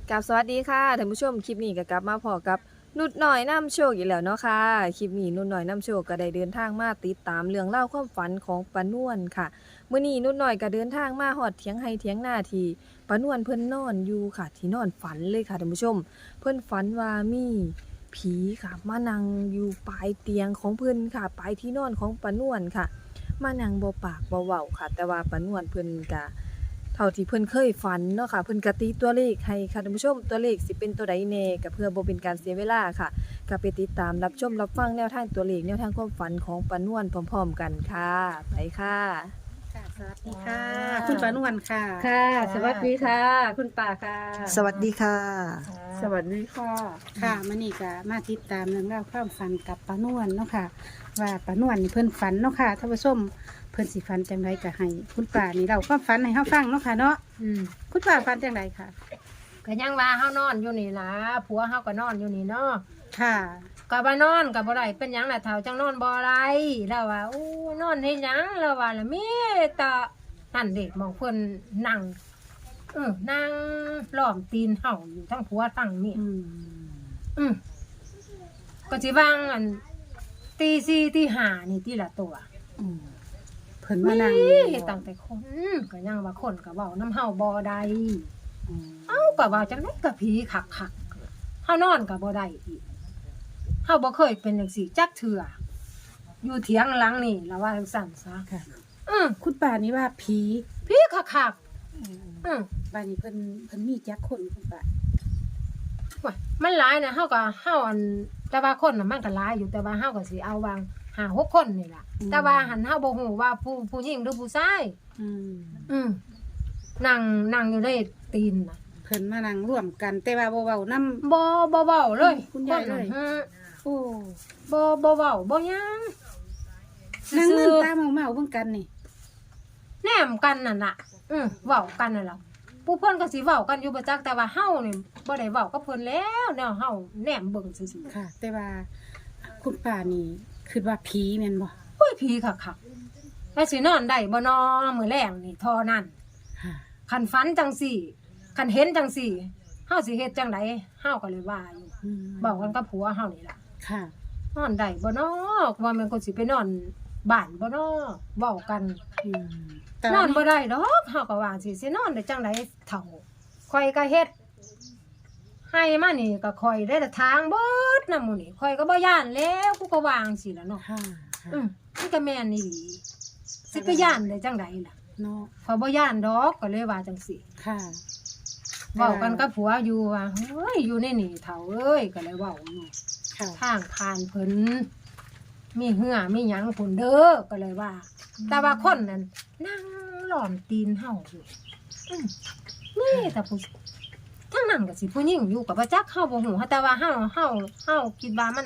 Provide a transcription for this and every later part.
กับสวัสดีค่ะท่านผู้ชมคลิปนี้ก็กลับมาพอกับนุดหน่อยนำโชคอีกแล้วเนาะค่ะคลิปนี้นุดหน่อยนำโชคก็ได้เดินทางมาติดตามเรื่องเล่าวความฝันของป้านวลค่ะมื้อนี้นุดหน่อยก็เดินทางมาฮอดเถียงไร่เถียงนาที่ป้านวลเพิ่นนอนอยู่ค่ะที่นอนฝันเลยค่ะท่านผู้ชมเพิ่นฝันว่ามีผีค่ะมานั่งอยู่ปลายเตียงของเพิ่นค่ะปลายที่นอนของป้านวลค่ะมานั่งบ่ปากบ่เว้าค่ะแต่ว่าป้านวลเพิ่นก็ เท่าที่เพิ่นเคยฝันเนาะค่ะเพิ่นก็ตีตัวเลขให้ค่ะท่านผู้ชมตัวเลขสิเป็นตัวใดแน่ก็เพื่อบ่เป็นการเสียเวลาค่ะก็ไปติดตามรับชมรับฟังแนวทางตัวเลขแนวทางความฝันของป้านวลพร้อมๆกันค่ะไปค่ะค่ะสวัสดีค่ะ คุณปานวลค่ะค่ะ สวัสดีค่ะ คุณป่าค่ะสวัสดีค่ะสวัสดีค่ะค่ะมื่อนี้ก็มาติดตามเรื่องราวความฝันกับปานวลเนาะค่ะ ว่าปานวลนี่เพิ่นฝันเนาะค่ะท่านผู้ชมเพิ่นสิฝันจังไรก็ให้คุณป่านี่เราความฝันให้เฮาฟังเนาะค่ะเนาะคุณป่าฝันจังไรค่ะก็ยังว่าเฮานอนอยู่นี่ล่ะผัวเฮาก็นอนอยู่นี่เนาะค่ะก็บ่านอนก็บ่ได้เป็นหยังล่ะเฒ่าจังนอนบ่ไรแล้วว่าอู้นอนเฮ็ดหยังแล้วว่าล่ะมีแต่นั่นเด็กมองเพิ่นนั่งนั่งล้อมตีนเฮาอยู่ทั้งผัวทั้งเมียอืมอืมก็สิวางอันตี4ตี5นี่ทีละตัวอืมเพิ่นมานั่งเฮ็ดตั้งแต่คนก็ยังว่าคนก็เว้านำเฮาบ่ได้อืมเอ้าก็ว่าจังได๋ก็ผีคักๆเฮานอนก็บ่ได้อีกเฮาบ่เคยเป็นจังซี่จักเทื่ออยู่เถียงหลังนี่ละว่าจังซั่นซะค่ะอือคุณป่านี่ว่าผีผีคักๆบ้านนี้เพิ่นมีจักคนคุณป่าว่ามันหลายนะเฮาอันแต่ว่าคนน่ะมันก็หลายอยู่แต่ว่าเฮาก็สิเอาวาง5 6คนนี่ล่ะแต่ว่าหันเฮาบ่ฮู้ว่าผู้หญิงหรือผู้ชายอืมอืมนั่งอยู่ในตีนน่ะเพิ่นมานั่งร่วมกัน แต่ว่าบ่เว้านำบ่เว้าเลยคุณยายเลยคนน่ะโอ้บ่เว้าบ่หยังนั่งซื่มึนอตาเมาๆเบิ่งกันนี่แนมกันนั่นน่ะเว้ากันนั่นล่ะผู้เพิ่นก็สิเว้ากันอยู่ประจักแต่ว่าเฮานี่บ่ได้เว้ากับเพิ่นแล้วแนวเฮาแนมเบิ่งซื่อค่ะ แต่ว่าคุณป้านี่คิดว่าผีแม่นบ่ๆโอ้ยผีคักๆแล้วสินอนได้บ่นอมื้อแลงนี่เท่อนั้นค่ะคันฝันจังสี่คันเห็นจังสี่เฮาสิเฮ็ดจังไดเฮาก็เลยว่าอยู่อืมเว้ากันกับผัวเฮานี่ล่ะค่ะนอนได้บ่นอว่าแม่นคนสิไปนอนบ้านบ่นอเว้ากันอืมแต่นว่าอนบ่ได้ดอกเฮาก็ว่าสินอนได้จังไดเฒ่าข่อยก็เฮ็ดให้มานี่ก็ข่อยได้แต่ทางเบิดนำหมู่นี่ข่อยก็บ่ย่านแล้วกูก็วางสิล่ะเนาะค่ะค่ะมันก็แม่นอีหลีสิไปย่านได้จังไดล่ะเนาะข่อยบ่ย่านดอกก็เลยว่าจังซี่ค่ะเว้ากันกับผัวอยู่ว่าเฮ้ยอยู่ในนี่เฒ่าเอ้ยก็เลยเว้าอยู่ค่ะทางผ่านเพิ่นมีเหือมีหยังพุ่นเด้อก็เลยว่า แต่ว่าคนนั้นนั่งล้อมตีนเฮาอยู่นี่แต่ผู้ทั้งนั้นก็สิผู้หญิงอยู่กับบ่จักเฮาบ่ฮู้แต่ว่าเฮาคิดว่ามัน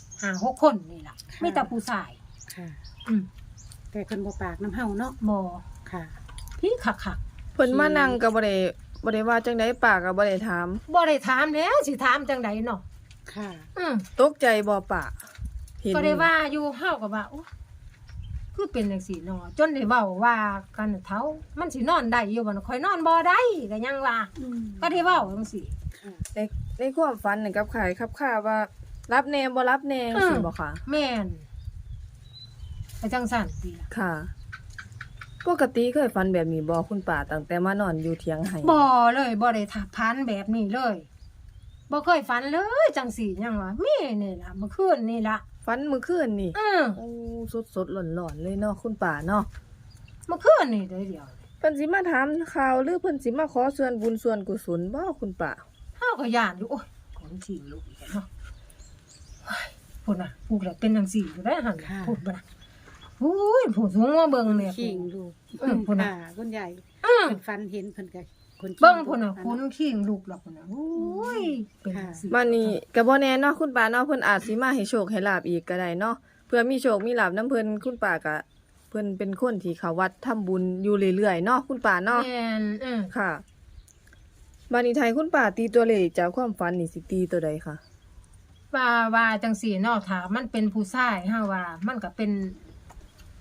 5 6คนนี่ล่ะมีแต่ผู้ชายค่ะอืมแต่เพิ่นบ่ปากน้ำเฮาเนาะบ่ค่ะพี่คักเพิ่นมานั่งก็บ่ได้ว่าจังได๋ปากก็บ่ได้ถามๆบ่ได้ถามแล้วสิถามจังไดเนาะค่ะตกใจบ่ปะเห็นก็ได้ว่าอยู่เฮาก็ว่าโอ้คือเป็นจังซี่เนาะจนได้เว้าว่ากันเฒ่ามันสินอนได้อยู่บ่เนาะข่อยนอนบ่ได้ก็ยังว่าอืมก็ได้เว้าจังซี่ค่ะในความฝันนี่กับขายครับค่าว่ารับแน่บ่รับแน่จังซี่บ่คะแม่นก็จังซั่นติล่ะค่ะปกติเคยฝันแบบนี้บ่คุณป้าตั้งแต่มานอนอยู่เถียงไห้บ่เลยบ่ได้ทับพันแบบนี้เลยบ่เคยฝันเลยจังซี่ยังว่ามีนี่ล่ะเมื่อคืนนี่ล่ะฝันมื้อคืนนี่อือโอ้สดๆร้อนๆเลยเนาะคุณป้าเนาะเมื่อคืนนี่เดียวเพิ่นสิมาถามข่าวหรือเพิ่นสิมาขอส่วนบุญส่วนกุศลบ่คุณป้าเฮาก็ย่านอยู่โอ้ยคนทิ้งลูกอีกแล้วเนาะเฮ้ยพูดน่ะพูดแล้วเป็นจังซี่อยู่ได้หั่นน่ะพูดบ่ล่ะอุ้ยผู้สูงมาเบิ่งแม่ขิงลูกพุ่นน่ะค่ะคุณยายอือเพิ่นฟันเห็นเพิ่นก็คนขิงเบิ่งพุ่นน่ะคนทิ้งลูกหรอกพุ่นน่ะโอ้ยเป็นจังซี่มานี่ก็บ่แน่เนาะคุณป้าเนาะเพิ่นอาจสิมาให้โชคให้ลาบอีกก็ได้เนาะเพื่อมีโชคมีลาบนํเพิ่นคุณป้าก็เพิ่นเป็นคนที่เข้าวัดทำบุญอยู่เรื่อยๆเนาะคุณป้าเนาะแม่นค่ะบัดนี้ไทยคุณป้าตีตัวเลขจากความฝันนี่สิตีตัวใดคะว่าจังซี่เนาะถ้ามันเป็นผู้ชายเฮาว่า มันก็เป็น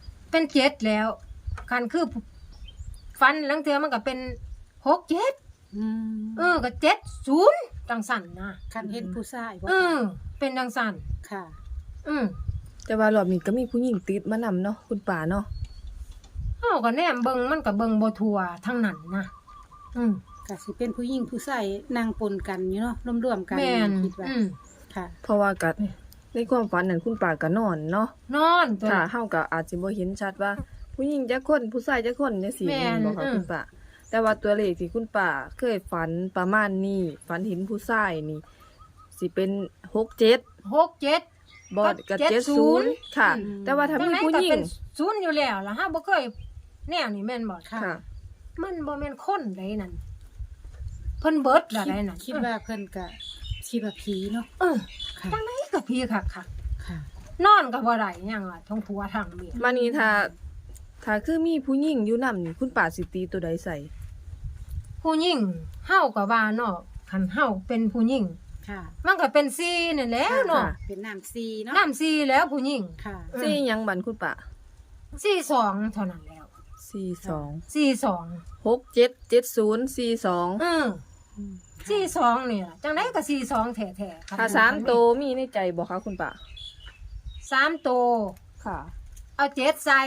7แล้วคันคือฟันลังเทื่อมันก็เป็น6 7 อืมก็70จังสั่นนะคันเห็นผู้ชายบ่เป็นจังสั่นค่ะอืมแต่ว่ารอบนี้ก็มีผู้หญิงติดมานำเนาะคุณป่าเนาะเฮาก็แนมเบิ่งมันก็เบิ่งบ่ทั่วทั้งนั้นนะอืมก็สิเป็นผู้หญิงผู้ชายนั่งปนกันอยู่เนาะร่วมๆกันแม่นคิดว่าค่ะเพราะว่าก็ในความฝันนั้นคุณป่าก็นอนเนาะนอนตัวค่ะเฮาก็อาจสิบ่เห็นชัดว่า ผู้หญิงจักคนผู้ชายจักคนจังซี่แม่นบ่ค่ะคุณป่าแต่ว่าตัวเลขที่คุณป่าเคยฝันประมาณนี้ฝันเห็นผู้ชายนี่สิเป็น67 67 บ่ก็ก็ 70 70ค่ะอืมแต่ว่าถ้ามีผู้หญิจังงได๋ก็เป็นศูนย์อยู่แล้วล่ะฮะบ่เคยแนวนี้แม่นบ่ค่ะค่ะมันบ่แม่นคนใดนั่นเพิ่นเบิดละใดนั่นคิดว่าเพิ่นก็คิดว่าผีเนาะเออค่ะจังไดก็พี่คักค่ะๆนอนก็บ่ได้หยังล่ะทั้งผัวทั้งเมียมานี่ถ้าคือมีผู้หญิงอยู่นำนี่คุณป่าสิตีตัวใดใส่ผู้หญิงเฮาก็ว่าเนาะคันเฮาเป็นผู้หญิงค่ะมันก็เป็น4นั่นแหล้วเนาะเป็นน้ำซีเนาะน้ำ4แล้วผู้หญิงค่ะอืมสิหยังบันคุณป่า 42เท่านั้นแล้ว 42 42 677042 อือ42นี่ล่ะจังไดก็42แท้ๆครับถ้าสามโตวมีในใจบ่คะคุณป่า 3โตวค่ะเอา7ใส่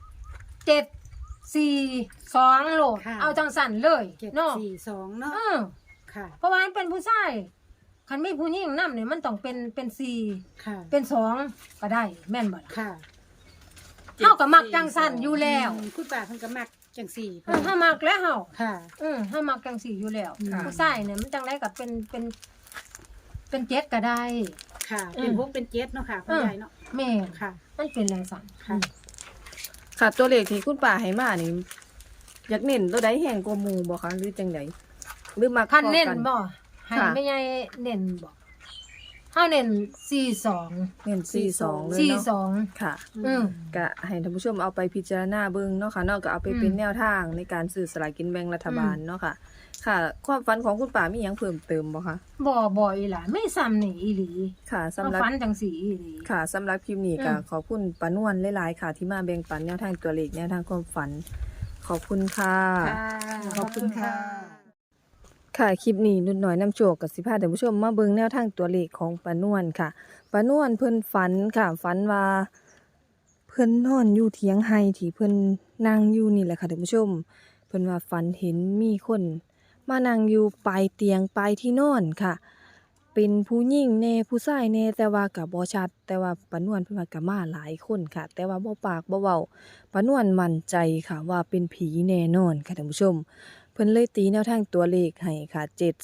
7 4 2โหลดค่ะเอาจังสั่นเลย 7 เนาะ 4 2เนาะอือค่ะเพราะว่ามันเป็นผู้ชายคันมีผู้หญิงนำเนี่ยมันต้องเป็น4 ค่ะเป็น2ก็ได้แม่นบ่ล่ะค่ะเฮาก็มักจังสั่นอยู่แล้วคุณป้าเพิ่นก็มักจังสี่เฮามักแล้วเฮาค่ะเฮามักจังสี่อยู่แล้วค่ะผู้ชายเนี่ยมันจังไดก็เป็นเจ็ดก็ได้ค่ะอืมเป็น6เป็น7เนาะค่ะคุณยายเนาะแม่นค่ะมันเป็นจังสั่นค่ะค่ะตัวเลขที่คุณป่าให้มานี่อยากเน้นตัวใดแห่งกว่าหมู่บ่คะหรือจังไดหรือมักคันเน้นพอกับ่ให้ค่ะแม่ใหญ่เน้นบ่เฮาเน้น42 เน้น42เลยเนาะ 42 ค่ะอืมก็ให้ท่านผู้ชมเอาไปพิจารณาเบิ่งเนาะค่ะเนาะก็เอาไปเป็นแนวทางในการซื้อสลากกินแบ่งรัฐบาลเนาะค่ะ ค่ะ ความฝันของคุณป่ามีหยังเพิ่มเติมบ่คะบ่อีหล่ะไม่ซ้ำนี่อีหลีค่ะสำเฮาหรับฝันจังสี่อีหลีค่ะสำหรับคลิปนี้ก็อืมขอบคุณป้านวลหลายๆค่ะ ที่มาแบ่งปันแนวทางตัวเลขแนวทางความฝัน ขอบคุณค่ะขอบคุณค่ะค่ะคลิปนี้นุ่นน้อยนำโชคกับสิพาท่านผู้ชมมาเบิ่งแนวทางตัวเลขของป้านวลค่ะป้านวลเพิ่นฝันค่ะฝันว่าเพิ่นนอนอยู่เถียงไห้ที่เพิ่นนั่งอยู่นี่แหละค่ะท่านผู้ชม เพิ่นว่าฝันเห็นมีคนมานั่งอยู่ปลายเตียงปลายที่นอนค่ะ เป็นผู้หญิงแน่ผู้ชายแน่แต่ว่าก็บ่ชัด แต่ว่าป้านวลเพิ่นว่าก็มาหลายคนค่ะ แต่ว่าบ่ปากบ่เว้าป้านวลมั่นใจค่ะว่าเป็นผีแน่นอนค่ะท่านผู้ชม เพิ่นเลยตีแนวทางตัวเลขให้ค่ะ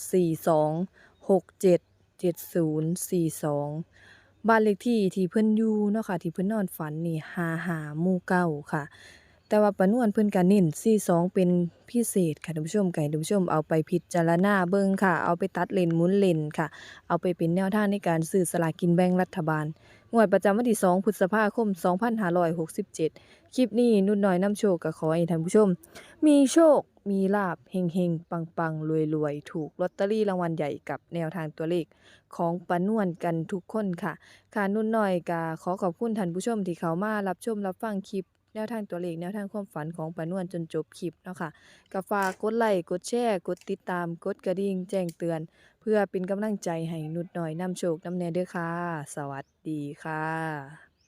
742677042บ้านเลขที่ที่เพิ่นอยู่เนาะค่ะที่เพิ่นนอนฝันนี่55หมู่เก้าค่ะ แต่ว่าป้านวลเพิ่นก็เน้น42เป็นพิเศษค่ะท่านผู้ชมก็ให้ท่านผู้ชมเอาไปพิจารณาเบิ่งค่ะ เอาไปตัดเลนหมุนเลนค่ะ เอาไปเป็นแนวทางในการซื้อสลากกินแบ่งรัฐบาลงวดประจำวันที่2พฤษภาคม2567คลิปนี้นุ่นน้อยนำโชคก็ขอให้ท่านผู้ชม มีโชค มีลาภเฮงๆ ปังๆ รวยๆ ถูกลอตเตอรี่รางวัลใหญ่กับแนวทางตัวเลขของป้านวลกันทุกคนค่ะ ค่ะนุ่นน้อยก็ขอขอบคุณท่านผู้ชมที่เข้ามารับชมรับฟังคลิป แนวทางตัวเลขแนวทางความฝันของป้านวลจนจบคลิปเนาะค่ะก็ฝากกดไลค์กดแชร์กดติดตามกดกระดิ่งแจ้งเตือน เพื่อเป็นกำลังใจให้นุ่นน้อยนำโชคนำแน่เด้อค่ะ สวัสดีค่ะ